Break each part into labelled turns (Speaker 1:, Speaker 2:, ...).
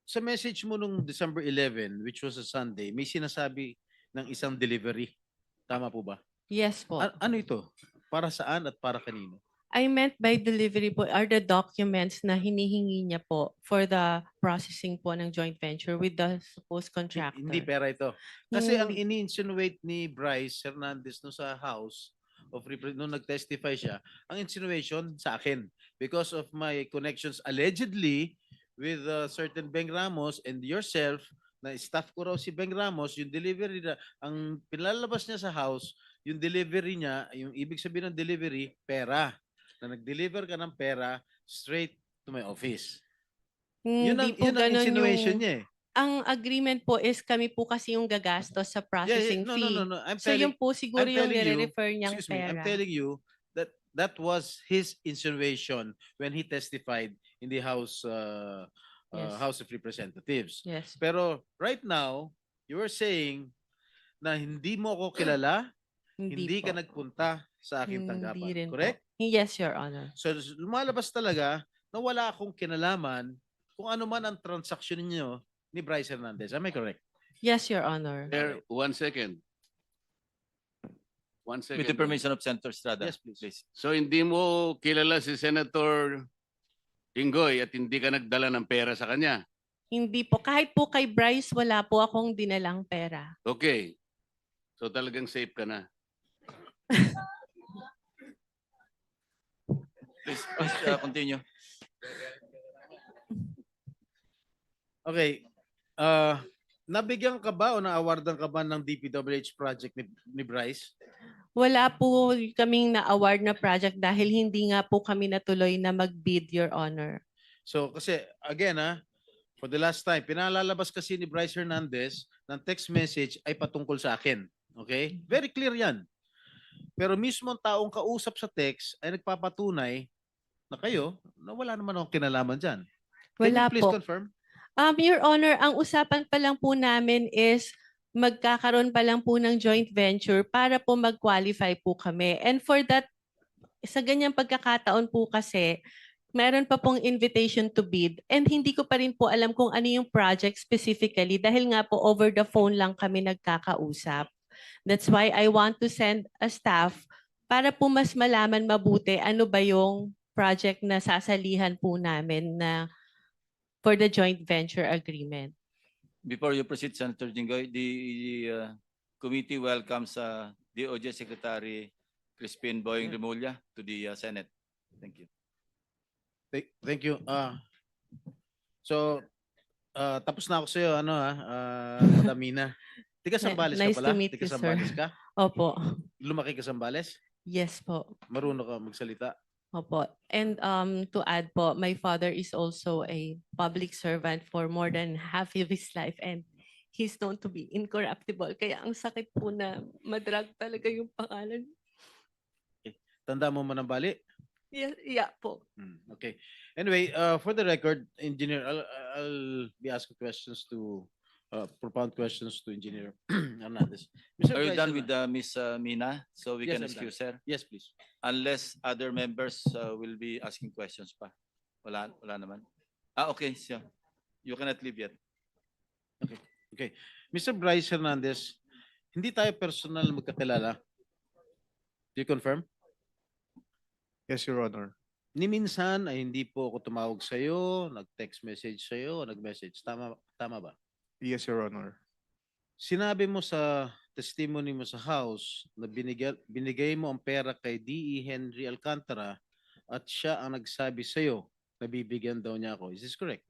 Speaker 1: sa message mo nung December 11, which was a Sunday, may sinasabi ng isang delivery. Tama po ba?
Speaker 2: Yes po.
Speaker 1: Ano ito? Para saan at para kanino?
Speaker 2: I meant by delivery po are the documents na hinihingi niya po for the processing po ng joint venture with the supposed
Speaker 1: Hindi
Speaker 2: contractor.
Speaker 1: pera ito. Kasi ang
Speaker 2: Hindi.
Speaker 1: ini-insinuate ni Bryce Hernandez no sa House of nung nag-testify siya, ang insinuation sa akin because of my connections allegedly with certain Beng Ramos and yourself na staff ko raw si Beng Ramos, yung delivery na, ang pinalabas niya sa house, yung delivery niya, yung ibig sabihin ng delivery, pera. Na nag-deliver ka ng pera straight to my office.
Speaker 2: Hindi po
Speaker 1: Yun ang
Speaker 2: ganun
Speaker 1: insinuation
Speaker 2: yung
Speaker 1: niya eh.
Speaker 2: ang agreement po is kami po kasi yung gagastos sa processing
Speaker 1: No, no, no,
Speaker 2: fee.
Speaker 1: no.
Speaker 2: So yun po siguro
Speaker 1: I'm
Speaker 2: yung
Speaker 1: telling you,
Speaker 2: nire-refer niyang
Speaker 1: excuse me, I'm
Speaker 2: pera.
Speaker 1: telling you that that was his insinuation when he testified in the
Speaker 2: Yes.
Speaker 1: House of Representatives.
Speaker 2: Yes.
Speaker 1: Pero right now, you are saying na hindi mo ako kilala, hindi ka
Speaker 2: po.
Speaker 1: nagpunta sa aking
Speaker 2: Hindi
Speaker 1: tanggapan.
Speaker 2: rin
Speaker 1: Correct?
Speaker 2: po. Yes, Your Honor.
Speaker 1: So lumalabas talaga na wala akong kinalaman kung ano man ang transaksyon ninyo ni Bryce Hernandez. Am I correct?
Speaker 2: Yes, Your Honor.
Speaker 3: There, 1 second. 1 second.
Speaker 4: With the permission of Senator Estrada.
Speaker 1: Yes, please.
Speaker 3: So hindi mo kilala si Senator Inggoy at hindi ka nagdala ng pera sa kanya.
Speaker 2: Hindi po. Kahit po kay Bryce, wala po akong dinalang pera.
Speaker 3: Okay. So talagang safe ka na.
Speaker 4: Please, continue.
Speaker 1: Okay. Nabigyan ka ba o na-awardan ka ba ng DPWH project ni Bryce?
Speaker 2: Wala po kaming na-award na project dahil hindi nga po kami natuloy na mag-bid, Your Honor.
Speaker 1: So kasi again for the last time, pinalalabas kasi ni Bryce Hernandez ng text message ay patungkol sa akin. Okay? Very clear yan. Pero mismo ang taong kausap sa text ay nagpapatunay na kayo na wala naman akong kinalaman dyan. Can
Speaker 2: Wala
Speaker 1: you please
Speaker 2: po.
Speaker 1: confirm?
Speaker 2: Your Honor, ang usapan pa lang po namin is magkakaroon pa lang po ng joint venture para po mag-qualify po kami. And for that, sa ganyang pagkakataon po kasi, meron pa pong invitation to bid and hindi ko pa rin po alam kung ano yung project specifically dahil nga po over the phone lang kami nagkakausap. That's why I want to send a staff para po mas malaman mabuti ano ba yung project na sasalihan po namin na for the joint venture agreement.
Speaker 4: Before you proceed, Senator Jinggoy, the committee welcomes DOJ Secretary Crispin Boying Remulla to the Senate. Thank you.
Speaker 1: Thank you. So tapos na ako sa iyo Madam Mina. Tiga Sambales
Speaker 2: Nice
Speaker 1: ka pala?
Speaker 2: to meet
Speaker 1: Tiga
Speaker 2: you, sir.
Speaker 1: Sambales ka?
Speaker 2: Opo.
Speaker 1: Lumaki ka sa Sambales?
Speaker 2: Yes po.
Speaker 1: Marunong ka magsalita?
Speaker 2: Opo. And to add po, my father is also a public servant for more than half of his life and he's known to be incorruptible. Kaya ang sakit po na madrag talaga yung pangalan.
Speaker 1: Tanda mo manambali?
Speaker 2: Yeah po.
Speaker 1: Okay. Anyway, for the record, Engineer, I'll be asking questions to propound questions to Engineer Hernandez. Mr.
Speaker 4: Are you
Speaker 1: Bryce
Speaker 4: done with
Speaker 1: Hernandez.
Speaker 4: Miss Mina? So we
Speaker 1: Yes,
Speaker 4: can
Speaker 1: I'm
Speaker 4: excuse
Speaker 1: done.
Speaker 4: her?
Speaker 1: Yes, please.
Speaker 4: Unless other members will be asking questions pa. Wala naman. Okay. So you cannot leave yet.
Speaker 1: Okay. Mr. Bryce Hernandez, hindi tayo personal magkakilala. Do you confirm?
Speaker 5: Yes, Your Honor.
Speaker 1: Ni minsan ay hindi po ako tumawag sa iyo, nag-text message sa iyo, nag-message. Tama ba?
Speaker 5: Yes, Your Honor.
Speaker 1: Sinabi mo sa testimony mo sa house na binigay mo ang pera kay D.E. Henry Alcantara at siya ang nagsabi sa iyo na bibigyan daw niya ako. Is this correct?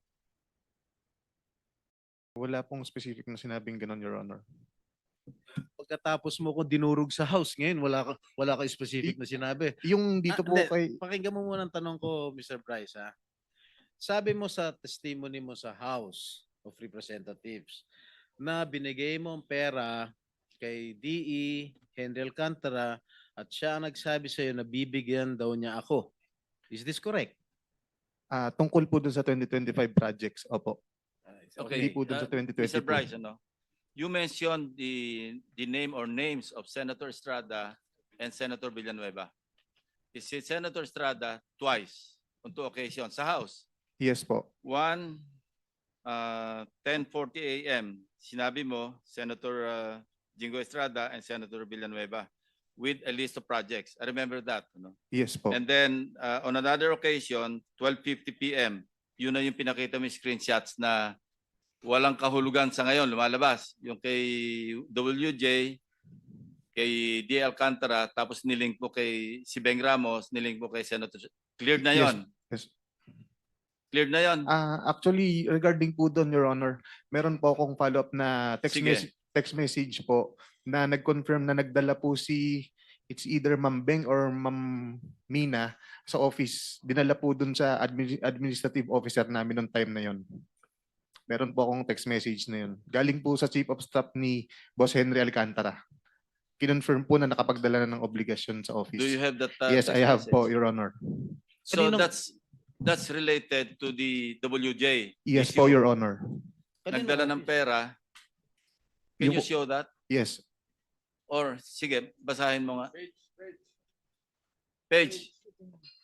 Speaker 5: Wala pong specific na sinabing ganon, Your Honor.
Speaker 1: Pagkatapos mo ko dinurog sa house ngayon, wala ka specific na sinabi.
Speaker 5: Yung dito po
Speaker 1: Hindi.
Speaker 5: kay...
Speaker 1: Pakinggan mo muna ang tanong ko, Mr. Bryce. Sabi mo sa testimony mo sa House of Representatives na binigay mo ang pera kay D.E. Henry Alcantara at siya ang nagsabi sa iyo na bibigyan daw niya ako. Is this correct?
Speaker 5: Tungkol po dun sa 2025 projects, opo.
Speaker 4: Okay.
Speaker 5: Hindi po dun sa 2022.
Speaker 4: Mr. Bryce, you mentioned the name or names of Senator Estrada and Senator Villanueva. Is it Senator Estrada twice on 2 occasions sa House?
Speaker 5: Yes po.
Speaker 4: One 10:40 a.m., sinabi mo, Senator Jingo Estrada and Senator Villanueva, with a list of projects. I remember that. No?
Speaker 5: Yes po.
Speaker 4: And then on another occasion, 12:50 p.m., yun na yung pinakita mo yung screenshots na walang kahulugan sa ngayon, lumalabas. Yung kay WJ, kay D. Alcantara, tapos nilink mo kay si Beng Ramos, nilink mo kay Senator. Cleared na yon.
Speaker 5: Yes.
Speaker 4: Cleared na yon.
Speaker 5: Actually, regarding po doon, Your Honor, meron po akong follow-up na
Speaker 4: Sige.
Speaker 5: text message po na nag-confirm na nagdala po it's either Ma'am Beng or Ma'am Mina sa office. Dinala po doon sa administrative officer namin noong time na yon. Meron po akong text message na yun. Galing po sa Chief of Staff ni Boss Henry Alcantara. Kinonfirm po na nakapagdala na ng obligasyon sa office.
Speaker 4: Do you have that?
Speaker 5: Yes,
Speaker 4: text
Speaker 5: I have po,
Speaker 4: message?
Speaker 5: Your Honor.
Speaker 4: So
Speaker 1: Kaninong-
Speaker 4: that's related to the WJ.
Speaker 5: Yes
Speaker 4: issue.
Speaker 5: po, Your Honor.
Speaker 4: Nagdala ng pera. Can you
Speaker 5: Yung-
Speaker 4: show that?
Speaker 5: Yes.
Speaker 4: Or sige, basahin mo nga. Page.